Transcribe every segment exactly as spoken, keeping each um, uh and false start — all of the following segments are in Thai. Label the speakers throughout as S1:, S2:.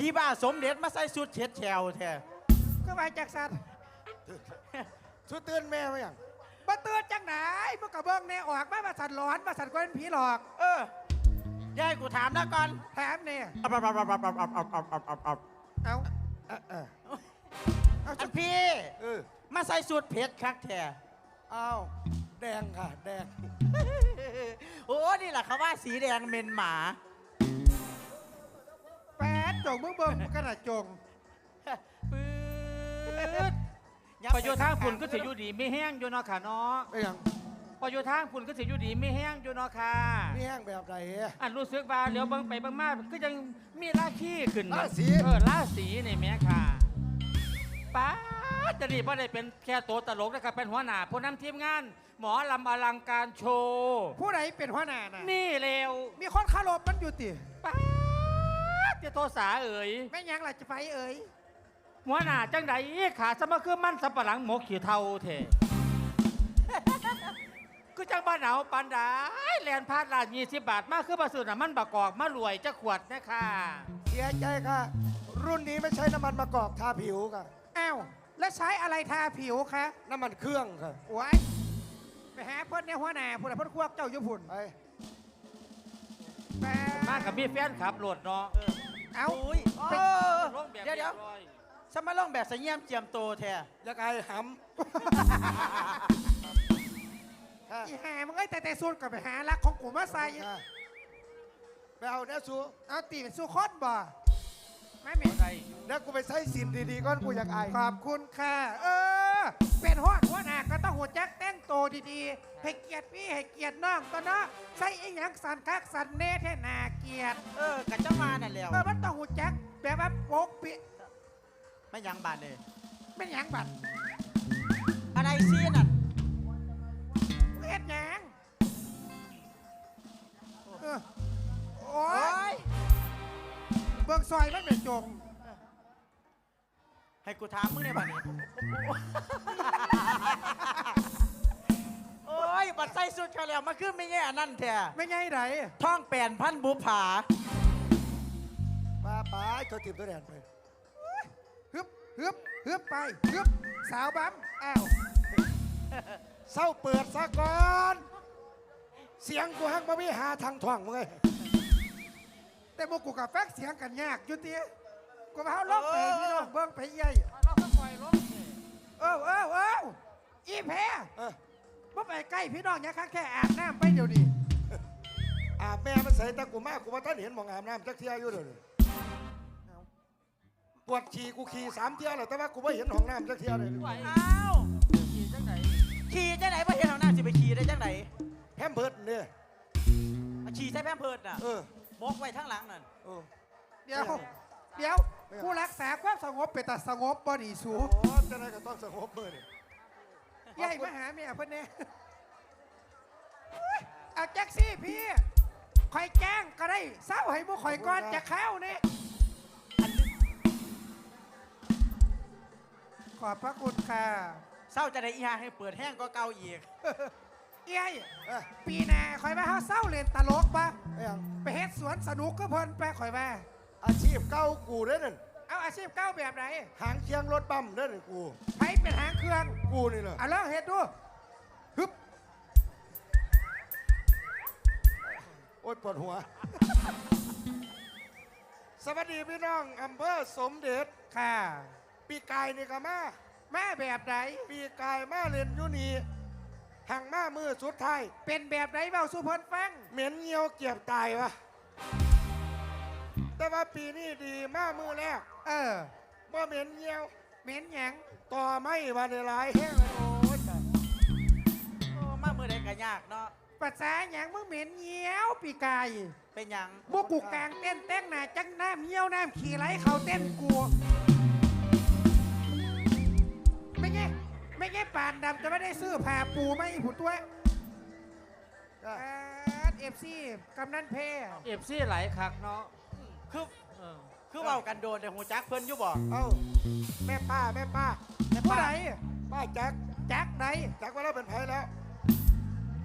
S1: พี่บ้าสมเด็จมาใส่สุดเช็ดแฉวแท้
S2: ก็มาจากสัตว์
S3: สุดเตือนแม่มาอย่าง
S2: มาเตือนจังไหนเมื่อกระเบื้องเนี่ยออกมามาสัตว์หลอนมาสัตว์ก็เป็นผีหลอก
S1: เออยายกูถามนะก่อน
S2: แถมเนี่ย
S1: เอาเอาเอาเอาเอาเอาเอาเอาเอา
S2: เอา
S1: เอาเอาจุดพี่เออมาใส่สุดเพชรคักแท้
S3: อ้าวแดงค่ะแดง
S1: โอ้นี่แหละเขาว่าสีแดงเมนหมา
S2: แปดจงเบื้องเบื้องกระดาษจง
S1: ปื๊ด
S4: ประโยชน์ทางฝุ่นก็ถืออยู่ดีไม่แห้งอยู่เนาะค่ะเนาะ
S3: ไม่ยัง
S4: ประโยชน์ทางฝุ่นก็ถืออยู่ดีไม่แห้งอยู่เนาะค่ะ
S3: ไม่แห้งแบบไหน
S4: อันรู้สึกว่าเดี๋ยวเบิ่งไปเบิ่งมาก็ยังมีราขี้ขึ้น
S3: ราศี
S4: เออราศีนี่แม่ค่ะป้าจะนี่ว่าได้เป็นแค่ตัวตลกนะครับเป็นหัวหน้าผู้นำทีมงานหมอลำอลังการโชว์
S2: ผู้ใดเป็นหัวหน้าน่ะ
S4: นี่เร็ว
S2: มีคนคารพมันอยู่ติ
S4: ป้าจะโทษาเอ๋ย
S2: ไม่ยังล่ะจะไปเอ๋ย
S4: หัวหน้าจังใดขาสมคือมันสับปะหลังหมกขี้เท่าเถก็จังบ้านหนาวปันดาแลนพาดลานยี่สิบบาทมากคือประสูติมันบากอกมารวยจะขวดนะค่ะ
S3: เสียใจค่ะรุ่นนี้ไม่ใช่น้ำมันมะกอกทาผิวค่ะ
S2: อ้าวแล้วใช้อะไรทาผิวคะ
S3: น้ำมันเครื่องค่ะ
S2: ว้ายไปหาเพื่อนในหัวหน้าพูดอะไรเพื่อนควบเจ้าญี่ปุ่น
S3: ไป
S4: มากับมีแฟนขับรถเนาะ
S2: เอา
S1: เดี๋ยวเดี๋ยวสมาลงแบบเสียมเจียมโตแท้
S3: ยังไงหำ
S2: อีหามึงไอ้แต่แต่สูตรกับไปหารักของกูมาใส่
S3: ไปเอาเนื้อสู
S2: เอาตีเป็นสู้คอนบ่ไม่เหม็น
S3: เนื้อกูไปใช้สินดีๆก้อนกูอยากอาย
S2: ขอบคุณค่ะเออเป็นหัวหัวหน้าก็ต้องหัวแจ็คแต่งโตดีๆให้เกียรติพี่ให้เกียรติน้องตัวเนาะใส่ไอ้หยังสันคักสันเน่แท่นาเกียรติ
S1: เออกับเจ้ามานั่นแล้ว
S2: เออมันต้องหัวแจ็คแบบว่าโป๊กปิ
S1: ไม่ยังบาดเลย
S2: ไม่ยังบาด
S1: อะไรซีนั่น
S2: เฮ็ดยังโอ้ยเบิ่งซอยมันเป็นจง
S1: ให้กูถามมึงในบ้านนี้โอ้ยบัดใส่สุดเขาแล้วมาขึ้นไม่แง่นั่นแท้
S2: ไม่แง่ไหน
S1: ท่องแปลนพันบุผา
S3: ป้าป้าตัวติดตัวแดนไป
S2: ฮึบฮึบฮึบไปฮึบสาวบั๊มอ้าว
S3: เศร้าเปิดซะก่อน เสียงกูฮักบ่มีหาทางท่องมึงเลย
S2: แต่โมกูกับแฟกเสียงกันยากอยู่ตีกูมาเอาล็อกไปพี่น้องเบิ้งไปใหญ่
S4: เราก็ปล่อยลง
S2: เออเออเอออีแพ้เมื่อไปใกล้พี่น้องเนี่ยแค่อาบน้ำไปเดี๋ยวนี้
S3: อาบแม่มันใส่ตะกูมากกูว่าท่านเห็นมองอาบน้ำจักเที่ยอยู่เดี๋ยวนี้ปวดขี่กูขี่สามเที่ยวเลยแต่ว่ากูไม่เห็นห้องน้ำจักเที่ยวเลย
S1: อ้าวขี่จังไหนขี่จังไหนไม่เห็นห้องน้ำสิไปขี่ได้จังไหน
S3: แพมเพิร์ดเนี่ย
S1: ขี่ใช้แพมเพิร์ดน่ะ
S3: เออ
S1: มกไว้ทั้งหลังนั่น
S2: เดี๋ยวเดี๋ยวผู้รักษาความสงบเป็นแต่สงบบ่ดีสู
S3: โอ้จะได้ก็ต้องสงบเบอร์เนี่ย
S2: ใหญ่มาหาเมียเพื่อนเนี่ยเอาแจ็คซี่พี่คอยแจ้งก็ได้เศร้าให้มุกคอยก้อนจะเข้าเนี่ยขอบพระคุณค่ะ
S1: เศร้าจะได้อีหาให้เปิดแห้งก็เก่าอีก
S2: เอ้ยปีหน้าคอยมาเขาเศร้าเล่นตลกปะไปเฮ็ดสวนสนุกก็เพลินไปคอยมา
S3: อาชีพเก่ากูเด้อนั่น
S2: เอาอาชีพเก่าแบบไหน
S3: หางเคียงรถบัมเด้อนั่นกู
S2: ใครเป็นหางเครื่อง
S3: กูนี่แหละ
S2: เอาแล้วเฮ็ดดูฮึบ
S3: โอ๊ยปวดหัวสวัสดีพี่น้องอำเภอสมเด็จ
S2: ค่ะ
S3: ปีกายนี่ก็มา
S2: แม่แบบไหน
S3: ปีกายมาเล่นอยู่นี่ห่างมามือสุดท้าย
S2: เป็นแบบไหนเบาสุพรฟัง
S3: เหม็นเงียวเกียบตายวะแต่ว่าปีนี้ดีมามือแรก
S2: เออ
S3: ว่าเหม็นเงียว
S2: เหม็นหยัง
S3: ต่อไม่มาในหลายแห้งเลยโอ้ย
S1: โอ้มามือใดก็ยากเนาะ
S2: ภาษาหยังมึงเหม็นเงียวปีกาย
S1: เป็นหยัง
S2: บุกกูกลางเต้นเต้นหนาจังน้ำเงียวน้ำขี่ไหลเขาเต้นกูไม่ไงไม่ไงป่านดำจะไม่ได้ซื้อผ่าปูไม่ผุดตัวเอฟซีกำนันเพ
S4: เอฟซีไหลคักเนาะ
S1: คือคือเบากันโดนแต่หูจักเพิ่นอยู่บ่
S3: เอ้าแม่ป้าแม่ป้า
S2: แม่ป้าไหน
S3: ป้าแจ็ค
S2: แจ็คไหน
S3: แจ็คว่าเราเป็นไผ่แล้ว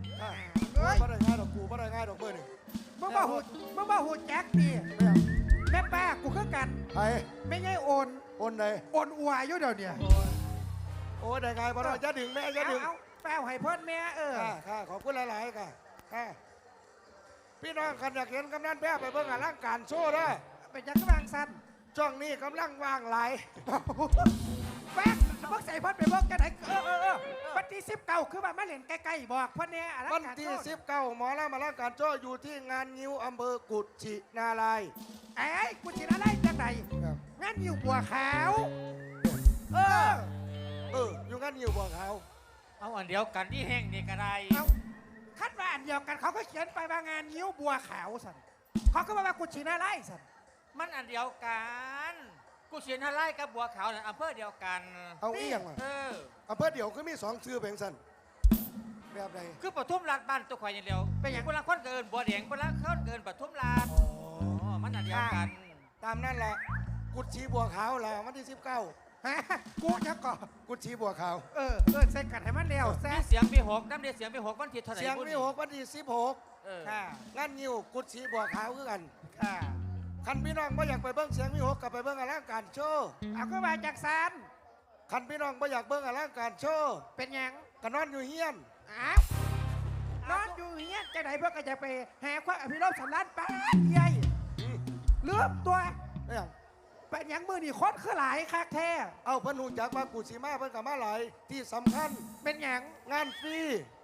S3: เฮ้ยไม่ได้ง่ายดอกกูไม่ได้ง่ายดอกเบอร์นี่
S2: มึงบ้าหูมึงบ้าหูแจ็คดิแม่ป้ากูคือกัน
S3: ไอ้
S2: ไม่ไงโอน
S3: โอนไหน
S2: โอนอัวอยู่เดี๋ยวเนี่ย
S3: โอ้ได้ไงบ่ต้องจะดึงแม่จะ
S2: เอา
S3: ดึง
S2: เอาแป้วให้เพิ่นแม่เออ
S3: ค่ะค่ะขอบคุณหลายๆค่ะค่ะพี่น้องคันอยากเห็นกำนันแพ้ไปเบิ่งอลังการโชว์เด้อ
S2: เป็นยังกบางสัน
S3: ช่วงนี้กำลังว่างหลาย
S2: แป้งเพิ่งใส่เพิ่นไปเบิ่งกันไหนเออเออเออวันที่สิบเก้าคือว่ามาเล่นใกล้ๆบอกเพิ่นเนี่ยอะไร
S3: วันที่สิบเก้าหมอลำอลังการโชว์อยู่ที่งานงิ้วอำเภอกุชินารายณ์
S2: ไอ้ยกูจินอะไรจังไหน
S3: ครับ
S2: งั้นอยู่บัวขาวเออ
S3: เอออยู่งานงิ้วบ่อขาว
S4: เอาอันเดียวกันที่แห้งนี่ก็ได้
S2: เอาคัดว่าอันเดียวกันเขาก็เขียนไปว่างานยิ้วบัวขาวสันเขาก็มาว่ากูจินอะไรสัน
S4: มันอันเดียวกันกูเชียนฮาไล่กับบัวขาวเนี่ยอำเภอเดียวกัน
S3: เอาอีหยังมา
S4: เออ
S3: อำเภอเดียวคือมีสองชื่อเพียงสั้นแบบใด
S4: คือปทุมราชบ้านตัวข่อยอย่างเดียวเป็นอย่างคนละคนเกินบัวแดงคนละคนเกินปทุมราช
S3: อ๋อ
S4: อ๋อมันอันเดียวกัน
S3: ตามนั่นแหละกุชิบัวขาวล่ะวันที่สิบเก้า
S2: ฮะกูจะก่อ
S3: กุชิบัวขาว
S2: เออเออใส่กันให้มันเร็วแซ่
S4: มีเสียงมีหกน้ำเดียเสียงมีหกวันที่เท่าไหร่
S3: เสียง
S4: บุญ
S3: มีหกวันที่สิบหก
S4: เออ
S2: ค่ะ
S3: งานงิ้วกุชิบัวขาวคือกัน
S2: ค่ะ
S3: คันพี่น้องไม่อยากไปเบิ้งเสียงมีหกกับไปเบิ้งอลังการโชว์
S2: เอาก็มาจากสัน
S3: คันพี่น้องไม่อยากเบิ้งอลังการโชว์
S2: เป็นหยัง
S3: ก็นอนอยู่เฮียน
S2: อ้าวนอนอยู่เฮียนจะไหนเพื่อก็จะไปหาความอภิรมย์สันลานป้าใหญ่ลืมตัว
S3: เนี่ย
S2: เป็นหยังมือนี่คนคือหลายคักแท้
S3: เอาเพิ่นหูจักว่ากุชิมาเพิ่นกับมาหลายที่สำคัญ
S2: เป็นหยัง
S3: งานฟรี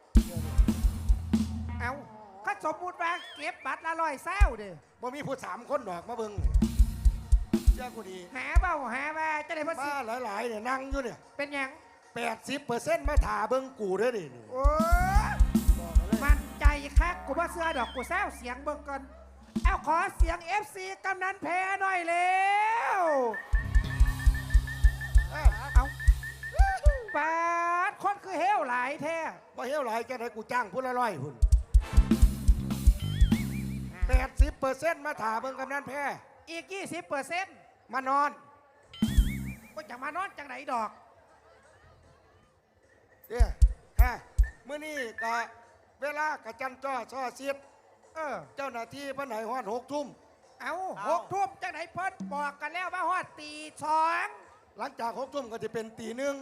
S2: เอาก็สมมุติว่าเก็บบัตรละร้อยเศร้าเด้
S3: บ่มีผู้สามคนดอกมาเบิ้งเจ้ากูดี
S2: หาเบาหาว่าจะได้ภาษี
S3: มาหลายๆเนี่ยนั่งอยู่เนี่ย
S2: เป็นหยัง
S3: แปดสิบเปอร์เซ็นต์มาถ่าเบิ้งกูเด้อดิ
S2: โอ้ยมันใจคักกูว่าเสื้อดอกกูแซวเสียงเบิ่งก่อนเอาขอเสียง เอฟ ซี กำนันแพ้หน่อยเร็ว
S3: เอ้า
S2: เอาปาดคนคือเฮวหลายแท้
S3: บ่เฮี้ยวหลายแค่ไหนกูจ้างผู้ละร้อยพุ่นแปดสิบเปอร์เซ็นต์มาถ่าเบิ้งกำนันแพ้
S2: อีก ยี่สิบเปอร์เซ็นต์
S3: มานอน
S2: ก็จะมานอนจังไหนดอก
S3: เนี่ยฮะมื้อนี้กะเวลากะจันจ้อซ้อเสียด
S2: เออ
S3: เจ้าหน้าที่เพิ่นให้ฮอดหกทุ่ม
S2: เอาหกทุ่มจังไหนเพิ่นบอกกันแล้วว่าฮอดตีสอง
S3: หลังจากหกทุ่มก็จะเป็นตีหนึ่ง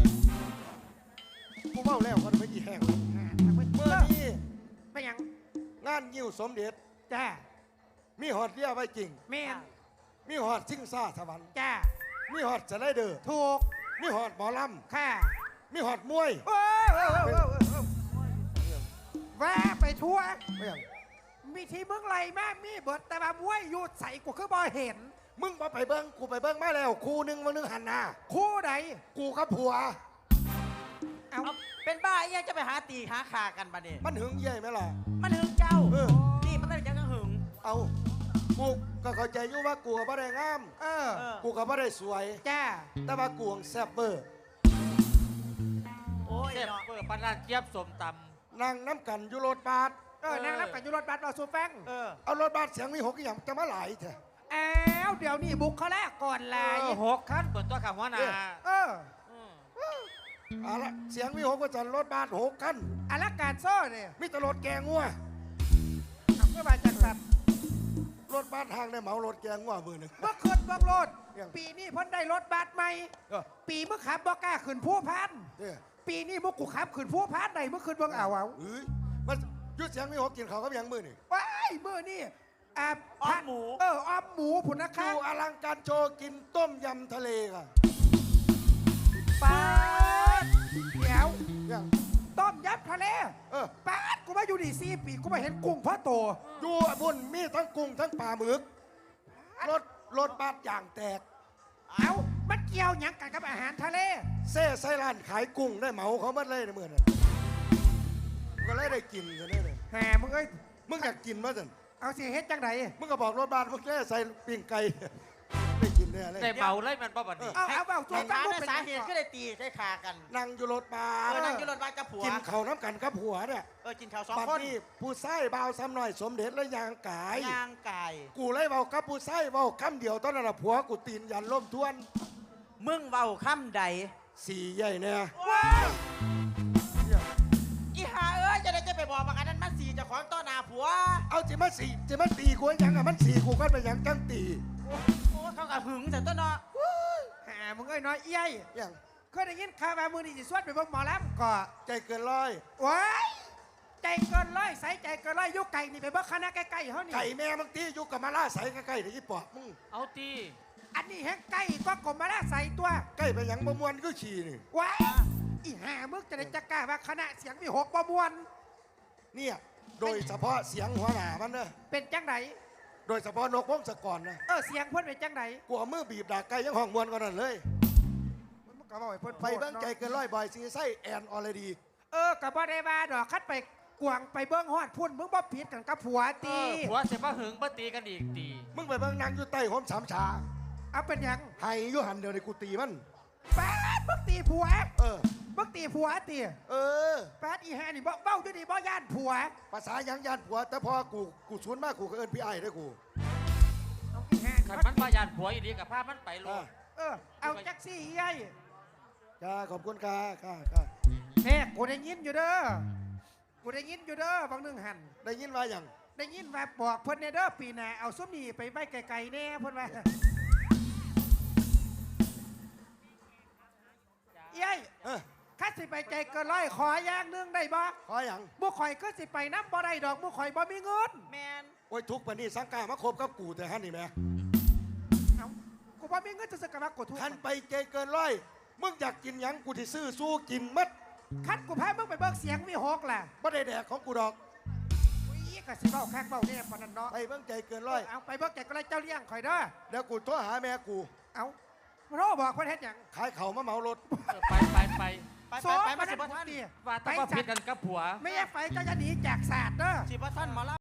S3: กูเบ้าแล้วมันไม่กี่แห้งเมื่อนี้
S2: ไปหยัง
S3: งานยิ้วสมเด็จ
S2: จ้า
S3: มีฮอดเรียไว้จริง
S2: แม่น
S3: มีฮอดซิ่งซ่าสวรรค์
S2: จ้า
S3: มีฮอดสไลเดอร์
S2: ถูก
S3: มีฮอดหมอล
S2: ค่ะ
S3: ำมีฮอดมวย
S2: โอ้ยโอ้ยโอ้ยโอ้ยโอ้ยโอ้ยว่าไปทั่ว
S3: ไม่อย่าง
S2: มีที่มึงไรมากมีเบิดแต่ว่าบ้วยหยุดใส่กูคือบ่เห็น
S3: มึงมาไปเบิ้งกูไปเบิ้งมาแล้วคู่หนึงวันนึงหันหน้า
S2: คู่ใด
S3: กูกับผัว
S2: เอา
S1: เอาเป็นบ้าไอ้ยังจะไปหาตีหาขากันบัดนี้
S3: มันหึงเย่ไหมล่ะ
S1: มันหึงเจ้า
S3: เออ
S1: นี่มันต้องยังหึง
S3: เอากูก็เข้าใจอยู่ว่ากูก็บ่ได้งาม
S2: เออ
S1: เออ
S3: กูก็บ่ได้สวย
S2: จ้า
S3: แต่ว่ากูแซ่บเบอร์
S1: โอ้ย
S4: เจ็บ
S1: เนาะ
S4: เปิดปานนั้นเจี๊ยบสมต
S3: นั่งน้ำกันอยู่รถบัส
S2: เออนั่งรับกับยุรถบัสรอสูแฟง
S1: เออ
S3: เอารถบัสเสียงมีหกอย่างจะมาหลายแท้
S2: อ้าวเดี๋ยวนี้บุกเขาแรกก่อน
S4: ำ
S2: ลาย
S4: เออหกขั้นเปิดตัวขับหัวหน้า
S2: เออ
S4: อืม
S3: เอาละเสียงมีหกก็จะรถบัสหกคัน
S2: อารักการโซ่เนี่ย
S3: มีแตรถแกงงัว
S2: เอาเมื่อมาจากสัตว์
S3: รถบัสทางได้เหมารถแกงงัวมือหนึ่ง
S2: เมื่อคืนเมื่อโลด
S3: ยัง
S2: ปีนี้เพ้นได้รถบัสใหม่
S3: เออ
S2: ปีเมื่อขับบอกล้าขึ้นผู้พัน
S3: เนี่ย
S2: ปีนี้มุกกูขับขึ้นผู้พันไหนเมื่อคืนเบิ่งเอาเอา
S3: เอ้ยมันอยุดเสียงมีหกกินเขาวกับหยังมือนี่
S2: ว้ายเมื่อนี่อ่า
S1: อ้อมหมู
S2: เอออ้อมหมูผุนนะ
S3: ดู
S2: คะ
S3: อลังการโชว์กินต้มยำทะเลค่ะ
S2: ปาดเดี๋ยว
S3: ยัง
S2: ต้มยำทะเล
S3: เออ
S2: ปาดกูมาอยู่ดีสี่ปีกูมาเห็นกุ้งพ่อโต
S3: ดูบุญมีทั้งกุ้งทั้งปลาหมึกรถรถบัสอย่างแตก
S2: เอามันเกี่ยวหยังกันกับอาหารทะเล
S3: เซ่ไซร้านขายกุ้งได้เหมาเขาหมาเลยในเมื่อนั้นก็เลยได้กินกันเลย
S2: แหมมึงเอ้ย
S3: มึงอยากกินมั้ยสัน
S2: เอาสิเฮ็ดจังได
S3: มึงก็บอกรถบัสมึงแค่ใส่ปิ้งไก่ ได้กินแน่เลย
S4: ได้เบาเลยมันบ่บัดนี้
S2: เอาเอาเอา
S1: ไอ้
S2: จั
S1: ถาง ม
S2: ลูก
S1: ใน
S2: เป็น
S1: สา
S2: หยัง
S1: เหตุ
S2: ก่อน
S1: ก็ได้ตีใช้ขากัน
S3: นั่งอยู่รถบั
S1: เอ
S3: ส
S1: อนั่งอยู่รถบัสกับผัว
S3: กินเขาวน้ำกันกับผัวเนี่ย
S1: เออกินข้าวสอง
S3: บัด
S1: คน
S3: นี้ผู้ไส้เบาวซ้ำหน่อยสมเด็จและยางกาย
S1: ย่างไก่
S3: กูเลยเบากับผู้ไส้เบาคำเดียวตอนนั้นนะผัวกูตีนยันล่มทวน
S1: มึงเว้าค่ำใด
S3: สี่ใหญ่เนี่ย
S1: ว้าย
S3: เนี่ย
S1: อีหาเอ้ยจะได้จะไปบอกบางอันนั้นมันสีเจะของต้อหนาผัว
S3: เอาจิมาสี่จิมาตีกูยังอ่ะมันสี่กูก็ไปยังจังตี
S1: เโอ้เขากับหึงแต่ต้นเนาะ
S2: หามึงเอ้ยน้อยเอี้ย
S3: อย่าง
S2: เคยได้ยินข่าวว่ามือนี่สิสวดไปเบิ่งหมอลำก่อ
S3: ใจเกินร้อย
S2: ว้ายใจเกินร้อยใส่ใจเกินร้อยอยุกไก่นี่ไปเบิ่งคณะใกล้ๆเขานี่
S3: ไก่แม่บางทีอยู่กับมาล่าใสใกล้ๆเดี๋ยวยี่ปอบมึง
S4: เอาตี
S2: อันนี้แห้งไก่ก็กลมมาแล้วใส่ตัว
S3: ใกล้ไปหยังบ่มวนก็ขี่นี่
S2: ว้ายอีห่ามึงจะได้จักกล้าว่าคณะเสียงมีหกประมวล
S3: เนี่ยโดยเฉพาะเสียงหัวหน้ามันเนอะ
S2: เป็นจังไหน
S3: โดยเฉพาะนกพงศกรนะ
S2: เออเสียงเพ่นเป็นจังไหน
S3: กูเอามือบีบดากไก่ยังห้องมวนกันนั่นเลย
S2: มึงก็บอกให้เพ่น
S3: ไปเบิ้งใจเกินร้อยบ่อยซีไส้แอนออลดี
S2: เออกับบ่ได้ว่าดอกคัดไปกวางไปเบิ้งฮอดพุ่นมึงบ่ผิดกันกับผัว
S4: เอ
S2: ตี
S4: อผัวเสียบ่หึงบ่ตีกันอีกตี
S3: มึงไปเบิ้งนางอยู่ใต้หอมสามชา
S2: เอาเป็นหยัง
S3: ไห้อยู่หันเดียวในกูตีมัน
S2: แป๊ดมึงตีผัว
S3: เออ
S2: มึงตีผัวตี
S3: เออ
S2: แป๊ดอีห่านี่บ่เบ้าอยู่นี่บ่ย่านผัว
S3: ภาษาหยังยานผัว แต่พอกูกูชวนมากกูก็เอินพี่ไอ้ได้อกู
S2: เอาอีห่า
S4: ขัน
S2: นี่
S4: มันประหยัดผัวอีดีกับภาพมันไปโล
S3: อ่ะ
S4: ด
S2: เออเอาจักซี่เอ้ย
S3: ค่ะขอบคุณค่ะค่ะค่ะ
S2: แม่กูได้ยินอยู่เด้อกูได้ยินอยู่เด้อบางหนึงหัน
S3: ได้ยินว่าอย่าง
S2: ได้ยินว่าบอกเพิ่นในเด้อปีหน้าเอาส้มนี่ไปไว้ไกลๆแน่เพิ่นว่าเอ้ย
S3: เออ
S2: ข้าสิไปใจเกินร้อยขออย่างหนึงได้บ่
S3: ขออย่าง
S2: บุข่อยก็สิไปน้ำบ่ได้ดอกบุข่อยบ่มีเงิน
S1: แมน
S3: โอ้ยทุกปานนี้สังกามาคบกับกูแต่ฮันนี่แหม่
S2: เอ้ากูบ่มีเงินจะซื้อกระบะกดทุก
S3: คันไปใจเกินร้อยมึงอยากกินหยังกูที่ซื้อสู้กินมัด
S2: คันกูพามึงไปเบิกเสียงมีหกล่ะ
S3: ไม่ได้แดกของกูดอก
S2: อุ้ยก็สิเบ้าแข้งเบ้าแน่ปานนั้นเนาะ
S3: ไปเบิ่งใจเกินร้อย
S2: เอาไปเบิกแกก็เลยเจ้าเลี้ยงข่อยเด้อ
S3: เดี๋ยวกูโทรหาแม่กู
S2: เอาโรบอกเพิ่นเฮ็ดหยัง
S3: ขายเขาวมาเหมารถ
S4: เออไปไปไป
S1: ไปไปไปมาสิบ่ท่าน
S2: นี่
S4: ว่าแต้องมาผิดกันกับผัว
S2: ไม่ใช่ไฟก็จะหนีจากศาสตร์เด้อ
S1: สิบ่ท่านหมอล